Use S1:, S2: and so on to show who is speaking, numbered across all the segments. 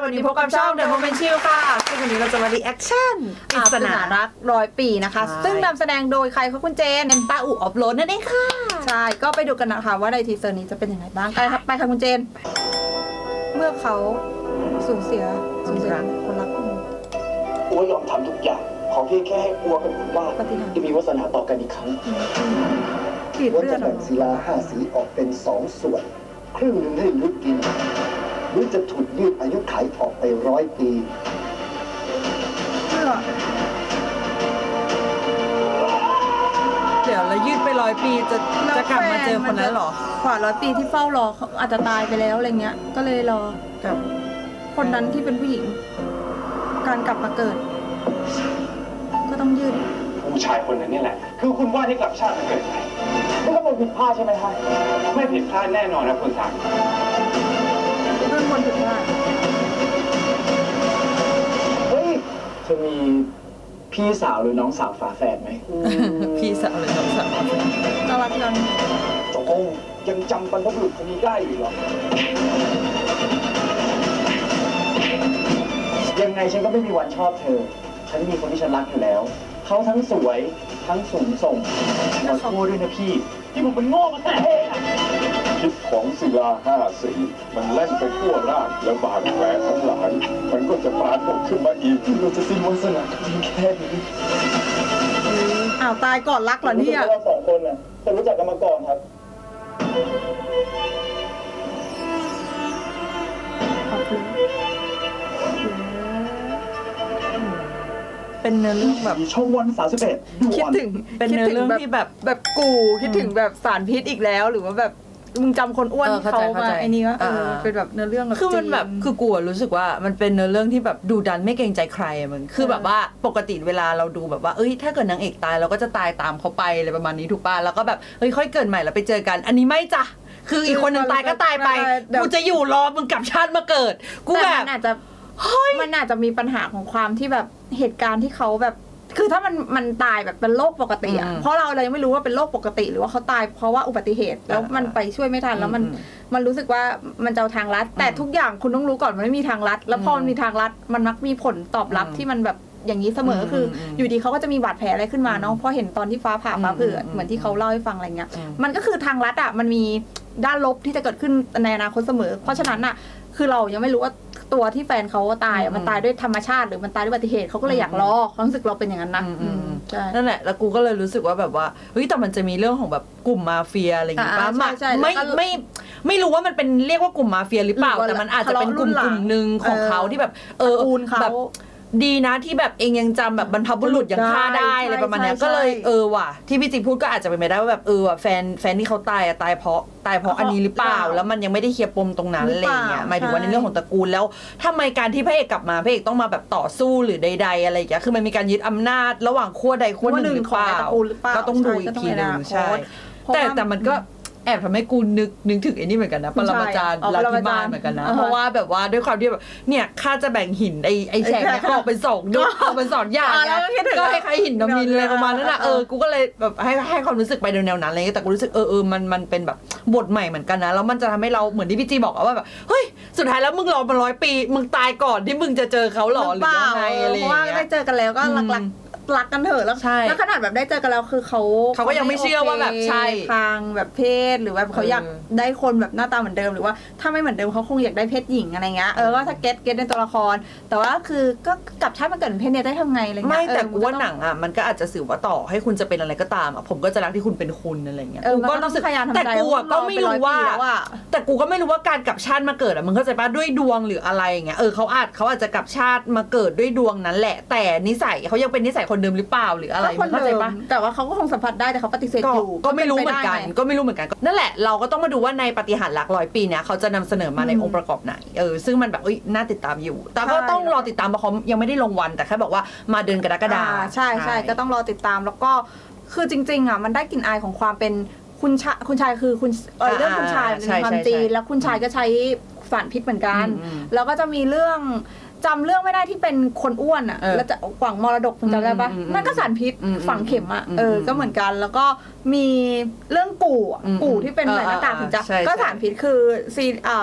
S1: วันนี้พบกับช่อง The Moment Chill ค่ะซึ่งวันนี้เราจะมารีแอคชั่นปริศนารัก100 ปีนะคะซึ่งนำแสดงโดยใครคะคุณเจนเป็นป้าอู่ออฟโรดนั่นเองค่ะใช่ก็ไปดูกันนะคะว่าในทีเซอร์นี้จะเป็นยังไงบ้างไปค่ะคุณเจนเมื่อเขาสูญเสียคนรัก
S2: อัวยอมทำทุกอย่างขอเพียงแค่ให้อัวกับคุณว่าจะมีวาสนาต่อกันอีกครั้ง
S1: อัว
S2: จะแบ่งศิลา5 สีออกเป็น2 ส่วนครึ่งหนึ่งให้ยุดกินหรือจะถูกยืดอายุขัยออกไป100 ปี
S1: เดี๋ยวแล้วยืดไป100 ปีจะกลับมาเจอคนนั้นหรอกว่า100 ปีที่เฝ้ารอเขาอาจจะตายไปแล้วอะไรเงี้ยก็เลยรอกับคนนั้นที่เป็นผู้หญิงการกลับมาเกิดก็ต้องยืด
S2: ผู้ชายคนนั้นนี่แหละคือคุณว่าที่กลับชาติมาเกิดไหมนี่ก็เป็นผิดพลาดใช่ไหมคะไม่ผิดพลาดแน่นอนนะคุณสัง
S1: เรื่องคนผิดพลาด
S2: เฮ้ยจะมีพี่สาวหรือน้องสาวฝาแฝดไหม
S1: พี่สาวหรือน้องสาวน่ารักจัง
S2: ตกลงยังจำบรรพบุรุษคนนี้ได้อยู่หรอยังไงฉันก็ไม่มีวันชอบเธอฉันมีคนที่ฉันรักอยู่แล้วเขาทั้งสวยทั้งสูงส่งขอโทษด้วยนะพี่ที่ผมเป็นโง่มาแต่เอง
S3: พิษของศิลา5 สีมันแล่นไปทั่วร่างแล้วบาดแผลทั้งหลายมันก็จะปรากฏขึ้นมาอีก
S2: เราจะสิ้นวาสนาเพียงแค่นี้
S1: อ้าวตายก่อนรักเหรอเนี่ย
S2: เรา2 คนน่ะจะรู้จักกันมาก่อนครับ
S1: เป็นเนื้อเรื่องแบบ
S2: ช่องวัน31คิด
S1: ถึงเป็นเนื้อเรื่องที่แบบกูคิดถึงแบบสารพิษอีกแล้วหรือว่าแบบมึงจำคนอ้วนเขามาไอ้นี่ก็เป็นแบบเนื้อเรื่องคือมันแบบคือกูรู้สึกว่ามันเป็นเนื้อเรื่องที่แบบดูดันไม่เกรงใจใครมึงคือแบบว่าปกติเวลาเราดูแบบว่าเอ้ยถ้าเกิดนางเอกตายเราก็จะตายตามเขาไปอะไรประมาณนี้ถูกป่ะแล้วก็แบบเฮ้ยค่อยเกิดใหม่แล้วไปเจอกันอันนี้ไม่จ้ะคืออีกคนนึงตายก็ตายไปกูจะอยู่รอมึงกลับชาติมาเกิดกูแบบมันอาจจะมีปัญหาของความที่แบบเหตุการณ์ที่เขาแบบคือถ้ามันตายแบบเป็นโรคปกติอ่ะเพราะเราเลยไม่รู้ว่าเป็นโรคปกติหรือว่าเขาตายเพราะว่าอุบัติเหตุแล้วมันไปช่วยไม่ทันแล้วมันรู้สึกว่ามันจะเอาทางลัดแต่ทุกอย่างคุณต้องรู้ก่อนมันไม่มีทางลัดแล้วพอมันมีทางลัดมันมักมีผลตอบรับที่มันแบบอย่างนี้เสมอคืออยู่ดีเขาก็จะมีบาดแผลอะไรขึ้นมาเนาะเพราะเห็นตอนที่ฟ้าผ่าฟ้าเผือเหมือนที่เขาเล่าให้ฟังอะไรเงี้ยมันก็คือทางลัดอ่ะมันมีด้านลบที่จะเกิดขึ้นในอนาคตเสมอเพราะฉะนั้นอ่ะคือเรายังไม่รู้ว่าตัวที่แฟนเขาตายมันตายด้วยธรรมชาติหรือมันตายด้วยอุบัติเหตุเขาก็เลยอยากรอความรู้สึกเราเป็นอย่างนั้นนะนั่นแหละแล้วกูก็เลยรู้สึกว่าแบบว่าเฮ้ยแต่มันจะมีเรื่องของแบบกลุ่มมาเฟียอะไรอย่างงี้ป่ะไม่รู้ว่ามันเป็นเรียกว่ากลุ่มมาเฟียหรือเปล่าแต่มันอาจจะเป็นกลุ่มนึงของเขาที่แบบแบบดีนะที่แบบเองยังจำแบบบรรพบุรุษยังฆ่าได้อะไรประมาณนี้ก็เลยว่ะที่พี่จีพูดก็อาจจะเป็นไปได้ว่าแบบว่ะแฟนที่เขาตายตายเพราะอันนี้หรือเปล่าแล้วมันยังไม่ได้เคลียร์ปมตรงนั้นอะไรเงี้ยหมายถึงว่าในเรื่องของตระกูลแล้วทำไมการที่พระเอกกลับมาพระเอกต้องมาแบบต่อสู้หรือใดๆอะไรอย่างเงี้ยคือมันมีการยึดอำนาจระหว่างขั้วใดขั้วหนึ่งหรือเปล่าก็ต้องดูอีกทีนึงใช่แต่มันก็แอบทำให้กูนึกถึงไอ้นี่เหมือนกันนะปรมาจารย์ลาธิมาเหมือนกันนะเพราะว่าแบบว่าด้วยความที่แบบเนี่ยข้าจะแบ่งหินไอ้แฉกเนี่ยออกเป็น2 ยุคออกเป็น2 อย่างก็ให้ใครหินน้ำมินอะไรประมาณนั้นนะกูก็เลยแบบให้ความรู้สึกไปแนวนั้นอะไรเงี้ยแต่กูรู้สึกมันเป็นแบบบทใหม่เหมือนกันนะแล้วมันจะทำให้เราเหมือนที่พี่จีบอกว่าแบบเฮ้ยสุดท้ายแล้วมึงรอมา100 ปีมึงตายก่อนที่มึงจะเจอเขาหรอหรือยังไงอะไรเงี้ยเพราะว่าได้เจอกันแล้วก็รักกันเถอะแล้วขนาดแบบได้เจอกันแล้วคือเขาก็ยังไม่เชื่อว่าแบบใช่ทางแบบเพศหรือว่าเขาอยากได้คนแบบหน้าตาเหมือนเดิมหรือว่าถ้าไม่เหมือนเดิมเขาคงอยากได้เพศหญิงอะไรเงี้ยว่าถ้าเก็ตในตัวละครแต่ว่าคือก็กลับชาติมาเกิดเป็นเพศเนี่ยได้ทำไงอะไรเงี้ยไม่แต่กูว่าหนังอ่ะมันก็อาจจะสื่อว่าต่อให้คุณจะเป็นอะไรก็ตามอ่ะผมก็จะรักที่คุณเป็นคุณอะไรเงี้ยกูก็รู้สึกแต่กูก็ไม่รู้ว่าการกลับชาติมาเกิดอ่ะมึงเข้าใจป่ะด้วยดวงหรืออะไรเงี้ยเขาอาจจะกลับชาติมาเกิดด้วยดวงนั้นแหละแต่นิสัยเขายังเป็นนิสัยคนเดิมหรือเปล่าหรืออะไรเข้าใจปะแต่ว่าเขาก็คงสัมผัสได้แต่เขาปฏิเสธอยู่ก็ไม่รู้เหมือนกันนั่นแหละเราก็ต้องมาดูว่าในปาฏิหาริย์รัก100 ปีเนี่ยเขาจะนำเสนอมาในองค์ประกอบไหนซึ่งมันแบบน่าติดตามอยู่แต่ก็ต้องรอติดตามเพราะเขายังไม่ได้ลงวันแต่แค่บอกว่ามาเดือนกรกฎาคมใช่ก็ต้องรอติดตามแล้วก็คือจริงๆอ่ะมันได้กลิ่นอายของความเป็นคุณชายคือคุณเรื่องคุณชายเป็นความจีนแล้วคุณชายก็ใช้สารพิษเหมือนกันแล้วก็จะมีเรื่องจำเรื่องไม่ได้ที่เป็นคนอ้วนอ่ะแล้วจะหวังมรดกคุณจำได้ปะนั่นก็สารพิษฝังเข็มอ่ะก็เหมือนกันแล้วก็มีเรื่องกู่ที่เป็นใส่หน้ากากถึงจะก็สารพิษคือซี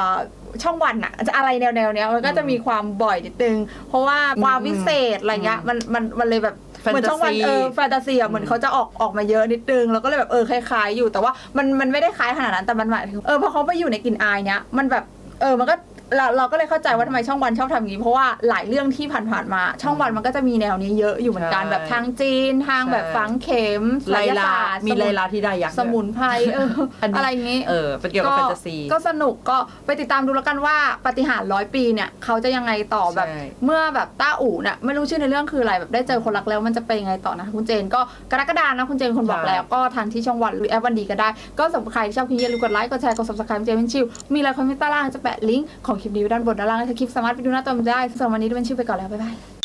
S4: ช่องวันอะจะอะไรแนวเนี้ยมันก็จะมีความบ่อยนิดนึงเพราะว่าความวิเศษอะไรเงี้ยมันเลยแบบเหมือนช่องวันแฟนตาซีเหมือนเขาจะออกมาเยอะนิดนึงแล้วก็เลยแบบคล้ายๆอยู่แต่ว่ามันไม่ได้คล้ายขนาดนั้นแต่มันหมายถึงพอเขาไปอยู่ในกลิ่นอายเนี้ยมันแบบมันก็เราก็เลยเข้าใจว่าทำไมช่องวันชอบทำอย่างนี้เพราะว่าหลายเรื่องที่ผ่านๆมาช่องวันมันก็จะมีแนวนี้เยอะอยู่เหมือนกันแบบทางจีนทางแบบฝังเข็มไลลา
S1: มีไลลาที่ได้ยักษ์
S4: สมุนไพรอะไรอย่างนี้
S1: เป็นเกี่ยวกับแฟนตาซี
S4: ก็สนุกก็ไปติดตามดูแล้วกันว่าปาฏิหาริย์100 ปีเนี่ยเขาจะยังไงต่อแบบเมื่อแบบต้าอู่เนี่ยไม่รู้ชื่อในเรื่องคืออะไรแบบได้เจอคนรักแล้วมันจะเป็นยังไงต่อนะคุณเจนก็กรกฎาคมนะคุณเจนคนบอกแล้วก็ทางที่ช่องวันหรือแอปวันดีก็ได้ก็สำหรับใครที่ชอบคลิปนี้อย่าลืมกดไลค์กดแชร์กด Subscribe เจนเป็นชิวมีอะไรคอมเมนต์ใต้ล่างจะแปะลิงก์ของคลิปนี้ไว้ด้านบนด้านล่างถ้าคลิปสามารถไปดูหน้าตอมได้สำหรับวันนี้เป็นชิวไปก่อนแล้วบ๊ายบาย